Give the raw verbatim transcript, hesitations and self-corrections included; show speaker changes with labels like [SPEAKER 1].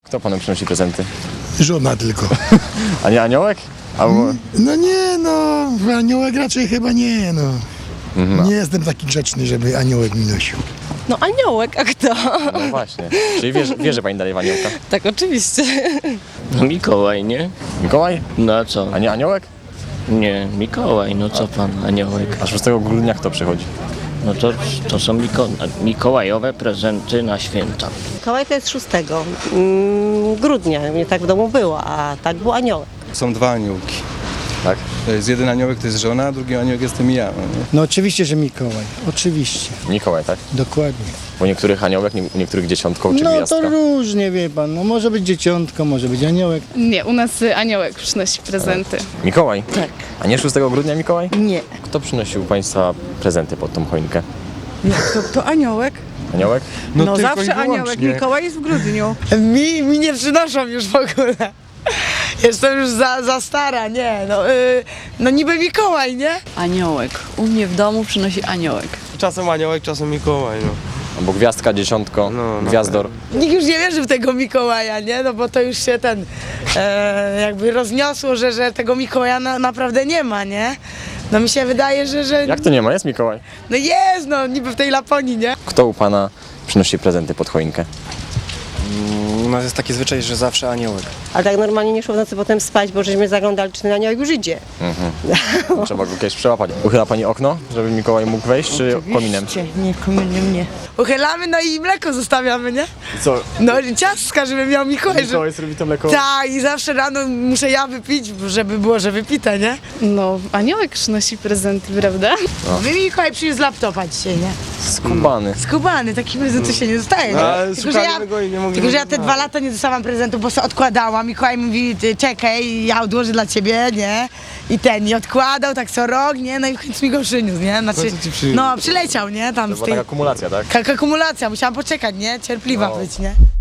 [SPEAKER 1] Kto panu przynosi prezenty?
[SPEAKER 2] Żona tylko.
[SPEAKER 1] A nie aniołek? Albo...
[SPEAKER 2] No nie, no, aniołek raczej chyba nie, no.
[SPEAKER 1] Mhm.
[SPEAKER 2] Nie jestem taki grzeczny, żeby aniołek mi nosił.
[SPEAKER 3] No aniołek, a kto?
[SPEAKER 1] No właśnie. Czyli wierzy, wierzy pani dalej w aniołka?
[SPEAKER 3] Tak, oczywiście.
[SPEAKER 4] No Mikołaj, nie?
[SPEAKER 1] Mikołaj?
[SPEAKER 4] No a co?
[SPEAKER 1] A nie aniołek?
[SPEAKER 4] Nie, Mikołaj, no co pan, aniołek?
[SPEAKER 1] A szóstego grudnia kto przychodzi?
[SPEAKER 4] No to, to są Miko mikołajowe prezenty na święta.
[SPEAKER 3] Mikołaj to jest szóstego mm, grudnia, mnie tak w domu było, a tak był aniołek.
[SPEAKER 5] Są dwa aniołki.
[SPEAKER 1] Tak?
[SPEAKER 5] To jest jeden aniołek, to jest żona, a drugi aniołek jestem ja. No nie?
[SPEAKER 2] No oczywiście, że Mikołaj. Oczywiście.
[SPEAKER 1] Mikołaj, tak?
[SPEAKER 2] Dokładnie.
[SPEAKER 1] U niektórych aniołek, nie- u niektórych dziesiątką czy
[SPEAKER 2] No
[SPEAKER 1] gwiazdka.
[SPEAKER 2] to różnie, wie pan. No może być dzieciątko, może być aniołek.
[SPEAKER 6] Nie, u nas y, aniołek przynosi prezenty.
[SPEAKER 1] Mikołaj?
[SPEAKER 3] Tak.
[SPEAKER 1] A nie szóstego grudnia Mikołaj?
[SPEAKER 3] Nie.
[SPEAKER 1] Kto przynosił państwa prezenty pod tą choinkę?
[SPEAKER 7] To, to aniołek?
[SPEAKER 1] Aniołek?
[SPEAKER 7] No, zawsze aniołek. Mikołaj jest w grudniu.
[SPEAKER 8] Mi, mi nie przynoszą już w ogóle. Jestem już za, za stara, nie, no, yy, no niby Mikołaj, nie?
[SPEAKER 7] Aniołek. U mnie w domu przynosi aniołek.
[SPEAKER 9] Czasem aniołek, czasem Mikołaj, no.
[SPEAKER 1] Albo gwiazdka, dziesiątko,
[SPEAKER 9] No, no.
[SPEAKER 1] gwiazdor.
[SPEAKER 8] Nikt już nie wierzy w tego Mikołaja, nie? No bo to już się ten e, jakby rozniosło, że, że tego Mikołaja na, naprawdę nie ma, nie? No mi się wydaje, że, że
[SPEAKER 1] Jak to nie ma? Jest Mikołaj.
[SPEAKER 8] no jest, no niby w tej Laponii, nie?
[SPEAKER 1] Kto u pana przynosi prezenty pod choinkę?
[SPEAKER 9] U nas jest taki zwyczaj, że zawsze aniołek.
[SPEAKER 3] Ale tak normalnie nie szło w nocy potem spać, bo żeśmy zaglądali, czy ten aniołek już idzie.
[SPEAKER 1] Trzeba go kiedyś przełapać. Uchyla pani okno, żeby Mikołaj mógł wejść, czy kominem?
[SPEAKER 7] Nie, kominem nie.
[SPEAKER 8] Uchylamy, no i mleko zostawiamy, nie?
[SPEAKER 1] Co?
[SPEAKER 8] No i ciastka, żeby miał Mikołaj, żeby...
[SPEAKER 1] Mikołaj zrobi to mleko?
[SPEAKER 8] Tak, i zawsze rano muszę ja wypić, żeby było, że wypite, nie?
[SPEAKER 6] No, aniołek przynosi prezenty, prawda?
[SPEAKER 8] Wy Mikołaj przyniósł laptopa dzisiaj, nie?
[SPEAKER 1] Skubany.
[SPEAKER 8] Skubany, taki prezent to się nie dostaje, nie?
[SPEAKER 9] Ale
[SPEAKER 8] Tylko, że ja,
[SPEAKER 9] szukaliśmy go i nie mogliśmy
[SPEAKER 8] tylko, że ja te
[SPEAKER 9] znaleźć.
[SPEAKER 8] dwa lata nie dostałam prezentu, bo sobie odkładałam. Mikołaj mówi, ty, czekaj, ja odłożę dla ciebie, nie? I ten, i odkładał tak co rok, nie? No i w końcu mi go przyniósł, nie? Znaczy,
[SPEAKER 9] końcu ci przyniósł.
[SPEAKER 8] no, przyleciał, nie? Tam
[SPEAKER 1] To
[SPEAKER 8] z
[SPEAKER 1] była
[SPEAKER 8] tej...
[SPEAKER 1] taka kumulacja, tak?
[SPEAKER 8] Ka- akumulacja, musiałam poczekać, nie? Cierpliwa
[SPEAKER 1] No.
[SPEAKER 8] być, nie?